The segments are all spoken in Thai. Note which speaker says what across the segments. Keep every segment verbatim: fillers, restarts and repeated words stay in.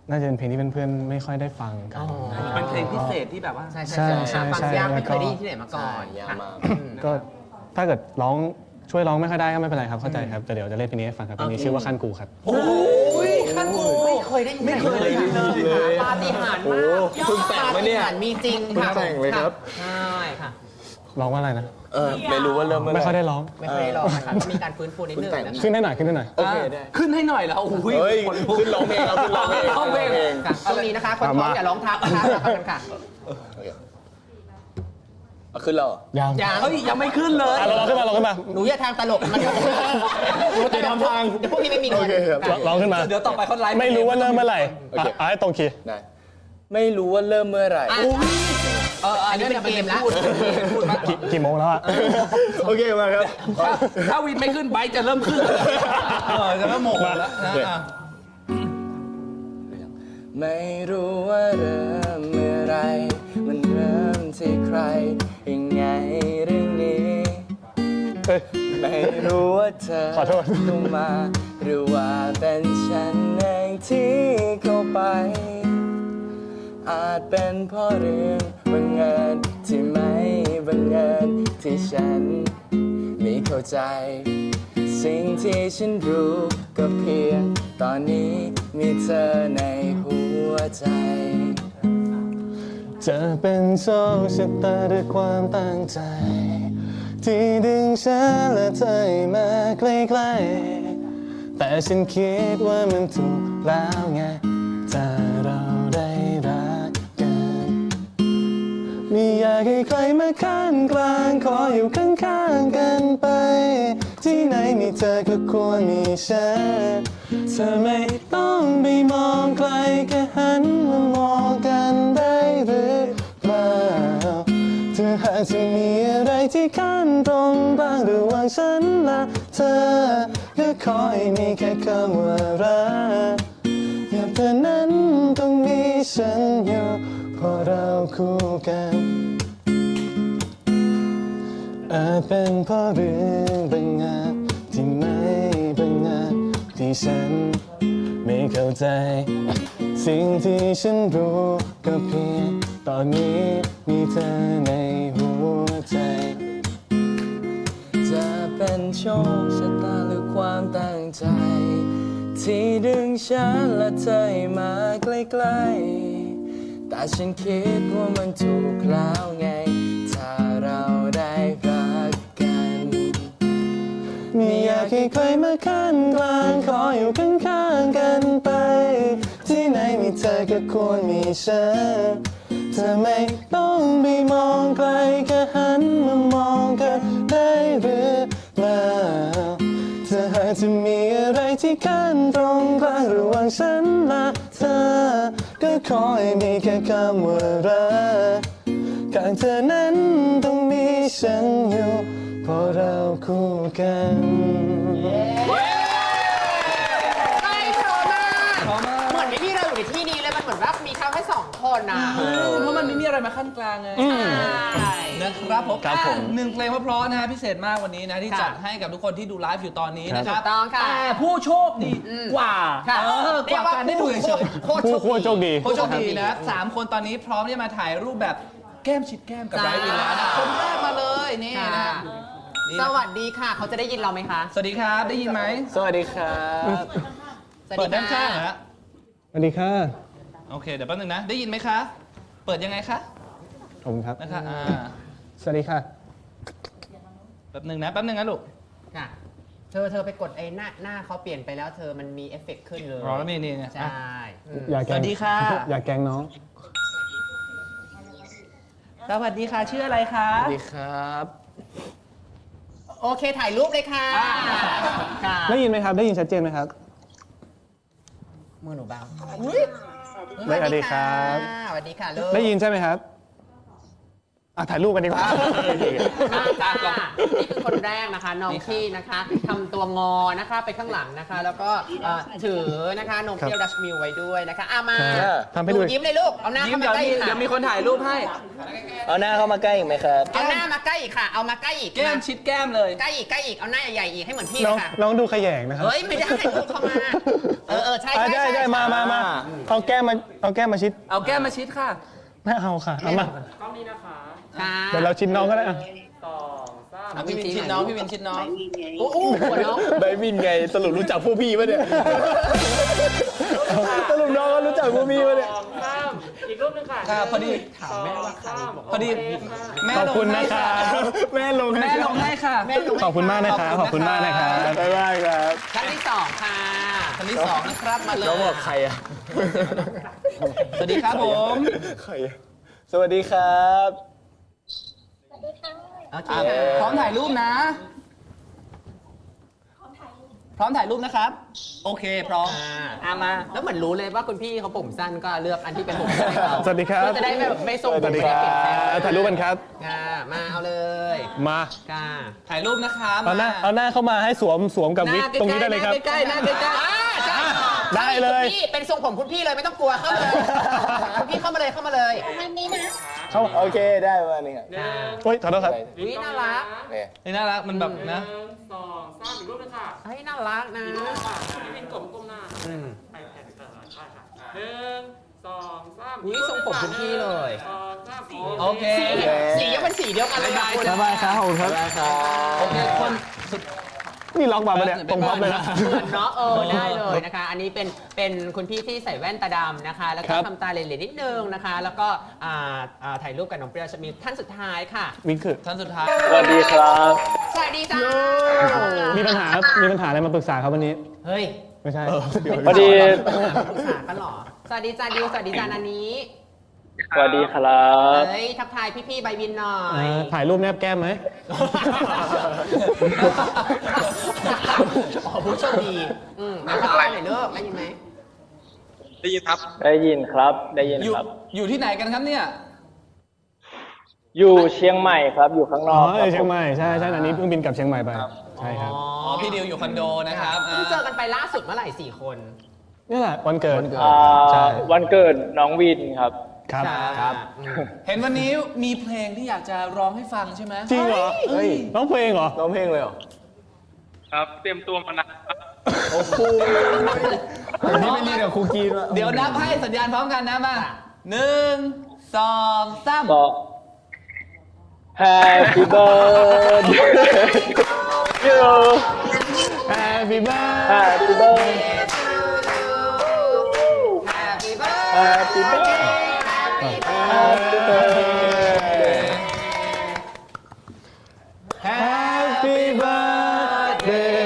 Speaker 1: น่าจะเป็นเพลงที่เพื่อนๆไม่ค่อยได้ฟังกัน
Speaker 2: เป็นเพลงพิเศษที่แบบว่า
Speaker 3: ใช่ใช่ใช่ฟังยากไม่เคยได้ยินที่ไหนมาก่อน
Speaker 1: ก็ถ้าเกิดร้องช่วยร้องไม่ค่อยได้ก็ไม่เป็นไรครับเข้าใจครับแต่เดี๋ยวจะเล่นเพลงนี้ให้ฟังครับเพลงนี้ชื่อว่าขั้นกูครับ
Speaker 2: โอ้ยขั้นกู
Speaker 3: ไม่เคยได้ยินไม่เคยได้ยินเลยปาฏิหาริย์มาก
Speaker 4: เพิ่งแต่งมาเนี่ย
Speaker 3: มีจริงค่ะ
Speaker 4: แต่งเลยครับ
Speaker 3: ใช่ค่ะ
Speaker 1: ร้องว่าอะไรนะ
Speaker 4: เออไม่รู้ว่าเริ่มเมื่อไหร่
Speaker 1: ไม่ค่อยได้ร้อง
Speaker 3: ไม่ค่อยได้ร้องค่ะมีการฟื้นฟูนิดนึงนะ
Speaker 1: ขึ้นให้หน่อยขึ้นให้หน่อย
Speaker 4: โอเคได้
Speaker 2: ขึ้นให้หน่อยแล้วโอ้ย
Speaker 4: ขึ้นร้องเพลงเราขึ้นร้องเพลง
Speaker 2: ร้องเพลง
Speaker 3: ค่ะตรงนี้นะคะคนท้องอย่าร้องทับนะคะรักกันค่ะ
Speaker 4: ขึ้นแล้ว
Speaker 1: ยัง
Speaker 3: ยัง
Speaker 2: เฮ้ยยังไม่ขึ้นเลย
Speaker 1: เราขึ้นมาเราขึ้นมา
Speaker 3: หนูอย่าทางตลกมันหนูจะทำทางเดี๋ยวพวกพี่ไม่มีเงิน
Speaker 1: ร้องขึ้นมา
Speaker 2: เดี๋ยวต่อไปเขาไลฟ์
Speaker 1: ไม่รู้ว่าเริ่มเมื่อไหร่อ่ะให้ตรงคีย์
Speaker 4: ได้ไม่รู้ว่าเริ่มเมื่อไหร่
Speaker 3: เอออันนี้เป็นเกมแล้ว
Speaker 1: กี่โมงแล้วอ่ะ
Speaker 4: โอเคมาครับ
Speaker 2: ถ้าวินไม่ขึ้นไบค์จะเริ่มขึ้นเออจะเริ่มโมงแล้วนะ
Speaker 4: ไม่รู้ว่าเริ่มเมื่อไรมันเริ่มที่ใครยังไงเรื่องนี้ไม่รู้ว่าเธอ
Speaker 1: ขอโทษ
Speaker 4: เข้ามาหรือว่าเป็นฉันเองที่เข้าไปอาจเป็นเพราะเรื่องบังเอิญที่ไม่บังเอิญที่ฉันไม่เข้าใจสิ่งที่ฉันรู้ก็เพียงตอนนี้มีเธอในหัวใจ
Speaker 1: จะเป็นโชคชะตาด้วยความตั้งใจที่ดึงฉันและเธอมาใกล้ๆแต่ฉันคิดว่ามันถูกแล้วไงถ้าเราได้รักกันไม่อยากให้ใครมาขั้นกลางขออยู่ข้างๆกันไปที่ไหนมีเธอก็ควรมีฉันเธอไม่ต้องไปมองใครแค่หันมามองกันได้หรือเปล่าเธอหากจะมีอะไรที่ขั้นตรงบ้างระหว่างฉันและเธอก็ขอให้มีแค่คำว่ารักอย่าเธอนั้นต้องมีฉันอยู่เพราะเราคู่กันอาจเป็นเพราะเรื่องบางอย่างที่ไม่บางอย่างที่ฉันไม่เข้าใจสิ่งที่ฉันรู้ก็เพียงตอนนี้มีเธอในหัวใจ
Speaker 4: จะเป็นโชคชะตาหรือความตั้งใจที่ดึงฉันและเธอมาใกล้ๆแต่ฉันคิดว่ามันถูกแล้วไงถ้าเราได้รักกัน
Speaker 1: ไม่อยากให้ใครมาขั้นกลางขออยู่ข้างๆกันไปที่ไหนมีเธอก็ควรมีฉันเธอไม่ต้องไปมองไกลแค่หันมามองกันได้หรือเปล่าเธอหากจะมีอะไรที่ขั้นตรงกลางระหว่างฉันและเธอก็ขอให้มีแค่คำว่ารักข้างเธอนั้นต้องมีฉันอยู่เพราะเราคู่กัน
Speaker 3: เหมือนไม่มีเราอยู่ในที่นี้เลยมันเหมือนว่ามีเขาแค่สองคนนะ
Speaker 2: เพราะมันไม่มีอะไรมาขั้นกลางไงนะครับผมหนึ่งเพลงเพราะๆนะฮะพิเศษมากวันนี้นะที่จัดให้กับทุกคนที่ดูไลฟ์อยู่ตอนนี้นะครับแต่ผู้โชคดีกว่ากว่าการได้ดูเฉยๆ
Speaker 1: ผู้โชคดี
Speaker 2: ผู้โชคดีนะสามคนตอนนี้พร้อมที่มาถ่ายรูปแบบแก้มชิดแก้มกับไบรท์วินแล้วนะคนแรกมาเลยนี่นะ
Speaker 3: สวัสดีค่ะเขาจะได้ยินเราไหมคะ
Speaker 2: สวัสดีครับได้ยินไหม
Speaker 4: สวัสดีครับ
Speaker 2: เปิดด้านข้างนะ
Speaker 1: สวัสดีค่ะ
Speaker 2: โอเคเดี๋ยวแป๊บนึงนะได้ยินไหมคะเปิดยังไงคะ
Speaker 1: ผมครับ
Speaker 2: นะคะอ่า
Speaker 1: สวัสดีค่ะ
Speaker 2: แป๊บนึงนะแป๊บนึงนะลูก
Speaker 3: ค่ะเธอเธอไปกดไอ้หน้าหน้าเขาเปลี่ยนไปแล้วเธอมันมีเอฟเฟกต์ขึ้นเลย
Speaker 2: อ๋อแล้วนี่นี่
Speaker 3: ใช่
Speaker 2: สวัสดีค่ะ
Speaker 1: อยากแกล้งน้อง
Speaker 2: สวัสดีค่ะชื่ออะไรคะ
Speaker 4: สวัสดีครับ
Speaker 3: โอเคถ่ายรูปเลยค่ะ
Speaker 1: ได้ยินไหมครับได้ยินชัดเจนไหมครับ
Speaker 3: มือหนูเบา
Speaker 1: สวัสดีครับ
Speaker 3: สวัสดีค่ะลูก
Speaker 1: ได้ยินใช่ไหมครับอ่ะถ่ายรูปกันดีกว่า
Speaker 3: มาจ้านี่คือคนแรกนะคะน้องที่นะคะทำตัวงอนะคะไปข้างหลังนะคะ แล้วก็เอ่อถือนะคะนมเปรี้ยวดัชมิลไว้ด้วยนะคะอ่ะมา
Speaker 1: ทำให้ดู
Speaker 3: ยิ้มเลยลูกเอาหน้า
Speaker 2: ยิ้ม
Speaker 3: เข้ามา
Speaker 2: เดี๋ยว
Speaker 3: ใกล้
Speaker 2: มี
Speaker 3: ค่ะ
Speaker 2: เดี๋ยวมีคนถ่ายรูปให้
Speaker 4: เอาหน้าเข้ามาใกล้อีกไหมครับ
Speaker 3: เอาหน้ามาใกล้อีกค่ะเอามาใกล้อีก
Speaker 2: แก้มชิดแก้มเลย
Speaker 3: ใกล้อีกใกล้อีกเอาหน้าใหญ่ๆอีกให้เหมือนพี่
Speaker 1: น้อง
Speaker 3: ค่ะ
Speaker 1: น้องดูขยงนะครับ
Speaker 3: เฮ้ยไม่ได้ลูกเข้ามาเออเออใช่
Speaker 1: อ่ะ
Speaker 3: ใช่
Speaker 1: ได้ได้มามามาเอาแก้มมาเอาแก้มมาชิด
Speaker 2: เอาแก้มมาชิดค่ะ
Speaker 1: ไม่เอาค่ะเอามา
Speaker 3: ค่ะ
Speaker 1: เดี๋ยวเราชิดน้องก็ได้อ่ะ
Speaker 2: เอาพี่วินชิดน้องพี่วินชิดน้อง
Speaker 3: โอ้โหหัวน้อง
Speaker 4: ไบวินไงสรุปรู้จักพวกพี่ปะเนี่ยสรุปน้องก็รู้จักพวกพี่ปะเนี่ย
Speaker 5: อีกรูปหนึงค่ะ
Speaker 2: ค่ะพอดี
Speaker 3: ถามแม่ว่าใครบอก
Speaker 2: พอดีแม่
Speaker 1: ขอบ
Speaker 2: ลง
Speaker 1: คุณ
Speaker 2: ให้
Speaker 1: นะค
Speaker 2: ค่ะ
Speaker 1: รับแม่ลงให้
Speaker 2: แม่ลงให้ค่ะ
Speaker 3: แม่ลง
Speaker 1: ขอบคุณมากนะครับขอบคุณมากนะครับ
Speaker 4: บ๊ายบายครับ
Speaker 3: ครั้งที่สองค่ะ
Speaker 2: คนที่สองนะครับมาเลย
Speaker 4: น้องบอกใครอ่ะ
Speaker 2: สวัสดีครับผม
Speaker 4: ใครอะสวัสดีครับ
Speaker 3: โอเค
Speaker 2: อ่ะ
Speaker 3: ค่ะ
Speaker 2: พร้อมถ่ายรูปนะ พร้อมถ่ายรูปนะครับ โอเคพร้อม
Speaker 3: อ่า
Speaker 2: อ่ะมา
Speaker 3: แล้วเหมือนรู้เลยว่าคุณพี่เขาผมสั้นก็เลือกอันที่เป็นผมสั้นให้เขา
Speaker 1: สวัสดีครับ
Speaker 3: เพื่อจะได้แบบไม่ทรง
Speaker 1: ส
Speaker 3: ผม
Speaker 1: วัสดี
Speaker 3: ไม่
Speaker 1: ค
Speaker 3: ได้
Speaker 1: รับ
Speaker 3: เปลี่ยนแปลง
Speaker 1: ถ่ายรูปกันครับ
Speaker 3: ค่ะมาเอาเลย
Speaker 1: มา
Speaker 3: ค่ะ
Speaker 2: ถ่ายรูปนะครับ
Speaker 1: เอาหน้าเอาหน้าเข้ามาให้สวมสวมกับวิกตรงนี้ได้เลยครับ
Speaker 2: ใกล้ๆหน้าใกล้
Speaker 3: อ่าใช่
Speaker 1: ได้เลย
Speaker 3: คุณพี่เป็นทรงผมคุณพี่เลยไม่ต้องกลัวเข้ามาเลยคุณพี่เข้ามาเลยเข้ามาเลย
Speaker 1: เข้า
Speaker 4: โอเคได้ประมาณนี้ครับ
Speaker 5: หนึ่ง
Speaker 1: โอ้ยขอโทษครับ
Speaker 3: อุ้ยน่ารัก
Speaker 4: เนี่ย
Speaker 2: ๆนี่น่ารักมันแบบนะ
Speaker 5: หนึ่งสองสามอีกรูปหนึงค่ะ
Speaker 3: เฮ้ยน่ารักนะ
Speaker 5: ค่ะพี่วินกลมก้มหน้า
Speaker 3: อืม
Speaker 5: ไปแผ่นเออใช่ค่ะหนึ่งสองสาม
Speaker 3: อุ๊ยทรงผมคุณพี่เลย
Speaker 5: สองสามสี่
Speaker 2: โอเค
Speaker 3: สียังเป็นสีเดียวกันเลยนะคุณ
Speaker 1: สบายครับขอบคุณครับ
Speaker 2: โอเคคนสุด
Speaker 1: นี่ล็อกมาปะเนี่ยตรงพับเลยนะ
Speaker 3: เหมือนเนาะเออได้เลยนะคะ อันนี้เป็นเป็นคุณพี่ที่ใส่แว่นตาดำนะคะ แล้ว
Speaker 1: ค
Speaker 3: ก็
Speaker 1: รับ
Speaker 3: ทำตาเหล่ๆนิดนึงนะคะ แล้วก็อ่าอ่าถ่ายรูปกับน้องเปรี้ยวจะมีท่านสุดท้ายค่ะ
Speaker 1: วิกคือ
Speaker 2: ท่านสุดท้าย
Speaker 4: สวัสดีครับ
Speaker 3: สวัสดีจ้า
Speaker 1: มีปัญหามีปัญหาอะไรมาปรึกษาครับวันนี้
Speaker 3: เฮ้ย
Speaker 1: ไม่ใช่
Speaker 4: พอดี
Speaker 3: ปรึกษากันเหรอสวัสดีจ้าดิวสวัสดีจ้านันนี้
Speaker 4: สวัสดีครับ
Speaker 3: เฮ้ยทักทายพี่ๆใบวินหน่อ
Speaker 1: เอย อถ่ายรูปแนบแก้มไหม
Speaker 3: อ๋อผู้โชคดีอืมมาทักทายหน่อยเลิกได้ยินไหม
Speaker 6: ได้ยินครับ
Speaker 4: ได้ยินครับ ได้ยิน
Speaker 2: อยู่
Speaker 4: ครับ
Speaker 2: อยู่ที่ไหนกันครับเนี่ย
Speaker 4: อยู่เชียงใหม่ครับ อยู่ข้างน
Speaker 1: อ๋
Speaker 4: อ
Speaker 1: อก
Speaker 4: ครับ
Speaker 1: เชียงใหม่ใช่ใช่อันนี้เพิ่งบินกลับเชียงใหม่ไปใช่ครับ
Speaker 2: อ๋อ พี่ดิวอยู่คอนโดนะครับ
Speaker 3: เพิ่งเจอกันไปล่าสุดเมื่อไหร่สี่คน
Speaker 1: นี่แหละวันเกิด
Speaker 4: อ่า
Speaker 1: ใช่
Speaker 4: วันเกิดน้องวินครับ
Speaker 1: ครับ
Speaker 3: ครับอืม
Speaker 2: เห็นวันนี้มีเพลงที่อยากจะร้องให้ฟังใช่ไหม
Speaker 1: จริงเหรอ
Speaker 4: เฮ้ย
Speaker 1: ร้องเพลงเหรอ
Speaker 4: ร้องเพลงเลยเหรอ
Speaker 6: ครับ เตรียมตัวมานานครับ
Speaker 4: โอ้โหนี่ไม่รีกับครูกีนวะ
Speaker 2: เดี๋ยวนับให้สัญญาณพร้อมกันนะมาหนึ่งสองสาม
Speaker 4: ก็ Happy birthday you
Speaker 1: Happy birthday
Speaker 4: Happy birthday
Speaker 3: Happy birthday
Speaker 4: Happy birthday Happy birthday
Speaker 1: Happy birthday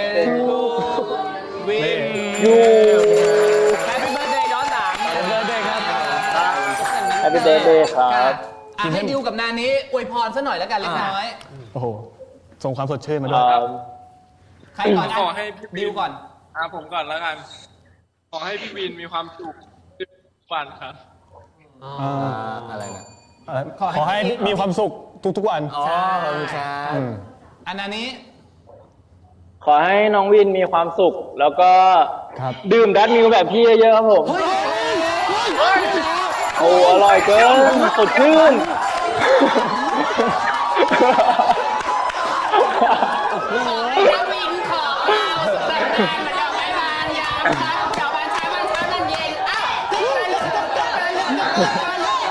Speaker 2: วิน
Speaker 4: you
Speaker 2: Happy Birthday ย้อนหลัง
Speaker 1: Happy birthday ครับ
Speaker 4: Happy birthday ครับ
Speaker 2: อ่ะให้ดิวกับนานี้อวยพรซะหน่อยแล้วกันเล็กน้อย
Speaker 1: โอ้โหส่งความสดชื่นมาด้วย
Speaker 4: อ่า
Speaker 2: ใครก่อน
Speaker 6: ขอให้พี่
Speaker 2: ดิวก่อน
Speaker 6: อ่าผมก่อนแล้วกัน ขอให้พี่วินมีความสุขทุกวันครับ
Speaker 3: อ๋อ
Speaker 4: อะไรนะ
Speaker 1: เอ่อขอให้มีความสุขทุกๆวัน
Speaker 4: อ๋อขอบคุณครับ
Speaker 1: ม
Speaker 2: อันนานี้
Speaker 4: ขอให้น้องวินมีความสุข แล้วก็
Speaker 1: ครับ
Speaker 4: ดื่มดัตมิลแบบพี่เยอะๆครับผม โอ้อร่อยเกินสดชื่น
Speaker 3: ดาวินขอเอาแต่งงานมาดอกไม้บานยามเช้าดอกบานเช้าบานเช้าบานเย็นอ้าวติ๊กไปเลยติ๊กไปเลยติ๊กไป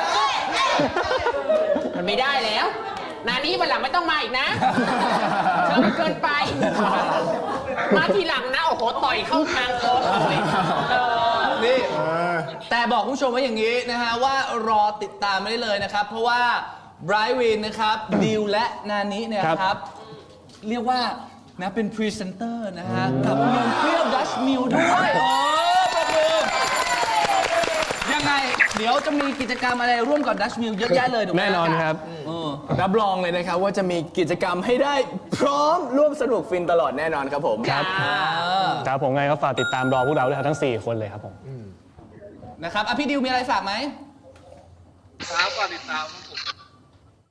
Speaker 3: เลยมันไม่ได้แล้วนานี้วันหลังไม่ต้องมาอีกนะเธอมันเกินไป มาทีหลังนะ โอ้โห ต่อยเข้าทางโค้งเลยเออ
Speaker 2: นี่แต่บอกคุณผู้ชมไว้อย่างนี้นะฮะว่ารอติดตามไม่ได้เลยนะครับ เพราะว่าไบรท์วินนะครับดิวและนานิเนี่ย
Speaker 1: ครับ
Speaker 2: ครับ เรียกว่านะเป็นพรีเซนเตอร์นะฮะ กับนมเปรี้ยวดัชมิลด้วยโอ้ประมือยังไง เดี๋ยวจะมีกิจกรรมอะไรร่วมกับดัชมิลเยอะแยะเลยถูกไหม
Speaker 1: แน่นอนครับ
Speaker 2: เออ
Speaker 4: รับรองเลยนะครับว่าจะมีกิจกรรมให้ได้พร้อมร่วมสนุกฟินตลอดแน่นอนครับผม
Speaker 1: ครับ ครับผมไงก็ฝากติดตามรอพวกเราด้วยครับทั้งสี่คนเลยครับผม
Speaker 2: นะครับอ่ะพี่ดิวมีอะไรฝากไหม
Speaker 6: ครับก่อนติดตามผม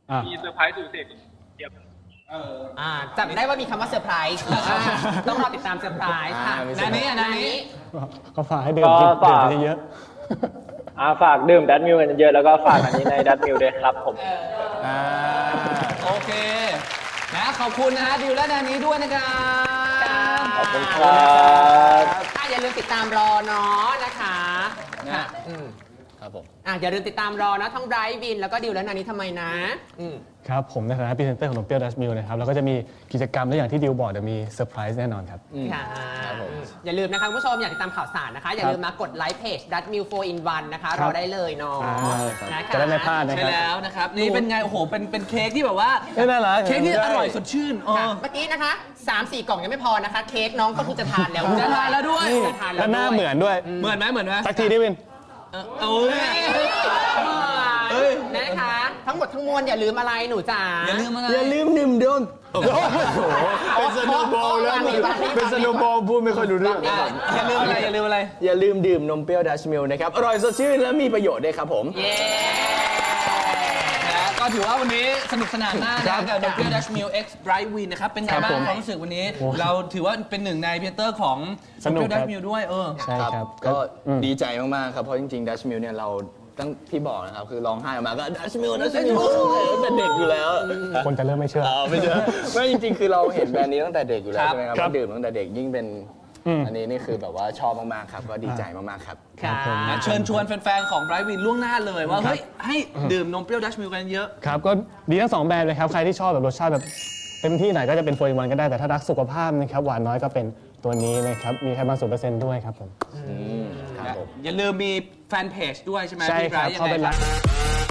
Speaker 1: อ่ะ
Speaker 6: มีเซอร์ไพรส์สุดเด็ดเดี๋ยว
Speaker 3: อ่าจำได้ว่ามีคำว่าเซอร์ไพรส์อ่าต้องรอติดตามเซอร์ไพรส์ค่ะ
Speaker 4: อ่ามีเซ
Speaker 3: นา
Speaker 4: อร์ไพรส์
Speaker 3: นี้อ่ะนานี้
Speaker 1: ก็ฝากให้ดื่มกิน
Speaker 7: ก็ฝาก
Speaker 1: ดื่มเยอะ
Speaker 7: อ่าฝากดื่มดัตมิลกันเยอะแล้วก็ฝากอันนี้ในดัตมิลด้วยครับผม
Speaker 4: อ่า
Speaker 2: โอเคนะขอบคุณนะฮะดิวและนานี้ด้วยนะครับ
Speaker 7: ขอบคุณครับ
Speaker 3: อ่ะอย่าลืมติดตามรอเนาะนะคะค่ะอืม
Speaker 4: ครับผม
Speaker 3: อ่ะอย่าลืมติดตามรอนะทั้งไบรท์วินแล้วก็ดิวและนานี้ทำไมนะอืม
Speaker 1: ครับผมในฐานะพรีเซนเตอร์ของนมเปรี้ยวดัชมิลนะครับแล้วก็จะมีกิจกรรมและอย่างที่ดิวบอกเดี๋ยวมีเซอร์ไพรส์แน่นอนครับ
Speaker 3: ค่ะ
Speaker 4: ครับผม
Speaker 3: อย่าลืมนะคะคุณผู้ชมอยากติดตามข่าวสารนะคะ อย่าลืมมากดไลค์เพจ ดัตมิล โฟร์ อิน วัน นะคะ
Speaker 1: ครั
Speaker 3: ร
Speaker 1: บ
Speaker 3: อได้เลยเนาะ
Speaker 1: อ่า
Speaker 3: นะคะ
Speaker 1: จะได้ไม่พลาดนะ
Speaker 2: ใช่
Speaker 1: ครับ
Speaker 2: แล้วนะครับนี่เป็นไงโอ้โหเป็นเป็นเค้กที่แบบว่า
Speaker 1: เอ้ยน่ารัก
Speaker 2: เค้กที่อร่อยสดชื่นเอ
Speaker 3: ค่ะ
Speaker 2: อ
Speaker 3: เมื่อกี้นะคะ สามสี่ กล่องยังไม่พอนะคะ เค้กน้องก็คือจะทานแล้ว
Speaker 2: จะทานแล้วด้วย
Speaker 3: จะทาน
Speaker 1: แล้วหน้าเหมือนด้วย
Speaker 2: เหมือนไหมเหมือนไหม
Speaker 1: สักทีดิวิน
Speaker 2: เออโอ้ย
Speaker 3: เอ้ยนะคะ ทั้งหมดทั้งมวลอย่าลืมอะไรหนูจ๋า
Speaker 2: อย่าลืมอะไร
Speaker 4: อย่าลืมดื่มดม
Speaker 3: เป็นสโนว์บอลแล้วเป็นสโนว์บอล
Speaker 4: พูดไม่ค่อยรู้เรื่อง
Speaker 2: อ่ะอย่าลืมอะไรอย่าลืมอะไร
Speaker 4: อย่าลืมดื่มนมเปรี้ยวดัชมิลนะครับ อร่อยสดชื่นและมีประโยชน์ด้วยครับผม
Speaker 3: เย้
Speaker 2: นะก็ถือว่าวันนี้สนุกสนานมากนะกับ Nokia Dash Meal X Bright Win นะครับ เป็นไง
Speaker 1: ครับ
Speaker 2: บ้าง
Speaker 1: ผม
Speaker 2: ความรู้สึกวันนี้
Speaker 1: โอ้
Speaker 2: เราถือว่าเป็นหนึ่งในพรีเซนเตอร์ของ
Speaker 1: สนุก
Speaker 2: Nokia
Speaker 1: ครั
Speaker 2: Dash
Speaker 1: บ
Speaker 2: Meal ด้วยเออ
Speaker 1: ใช่ครับ
Speaker 4: ก็
Speaker 1: อืม
Speaker 4: ดีใจมาก ๆ ครับ เพราะจริง ๆ ดัชมิลเนี่ยเราตั้งที่บอกนะครับ คือร้องไห้ออกมาก็ดัชมิลดัชมิลตั้งแต่เด็กอยู่แล้ว
Speaker 1: คนจะเริ่มไม่เชื่อ
Speaker 4: อ๋อไม่เจอไม่จริง ๆ คือเราเห็นแบรนด์นี้ตั้งแต่เด็กอยู่แล้วใช่ไหมครับ
Speaker 1: ครับ
Speaker 4: เราดื่มตั้งแต่เด็กยิ่งเป็น
Speaker 1: อืม
Speaker 4: อันนี้นี่คือแบบว่าชอบมาก ๆ ครับ ก็ดีใจมาก ๆ ครับ
Speaker 3: ค่ะ
Speaker 2: นะเชิญชวนแฟนๆ ของ Bright Win ล่วงหน้าเลยว่า เฮ้ย ให้ดื่มนมเปรี้ยว Dash Meal กันเยอะ
Speaker 1: ครับก็ดีทั้งสองแบรนด์เลยครับ ใครที่ชอบแบบรสชาติแบบเต็มที่ไหนก็จะเป็นโฟร์อินวันก็ได้ แต่ถ้ารักสุขภาพนะครับหวานน้อยก็เป็นตัวนี้นะครับ มีไขมันศูนย์เปอร์เซ็นต์ด้วยครับผม
Speaker 4: ครับผม
Speaker 2: อย่าลืมมีแฟนเพจด้วยใช่ไหม
Speaker 1: ใช่
Speaker 2: พี่
Speaker 1: ครับ
Speaker 2: Bright ยัง
Speaker 1: เข้า
Speaker 2: ไง
Speaker 1: ไป
Speaker 2: ค
Speaker 1: รั
Speaker 2: รั
Speaker 1: ก
Speaker 2: บ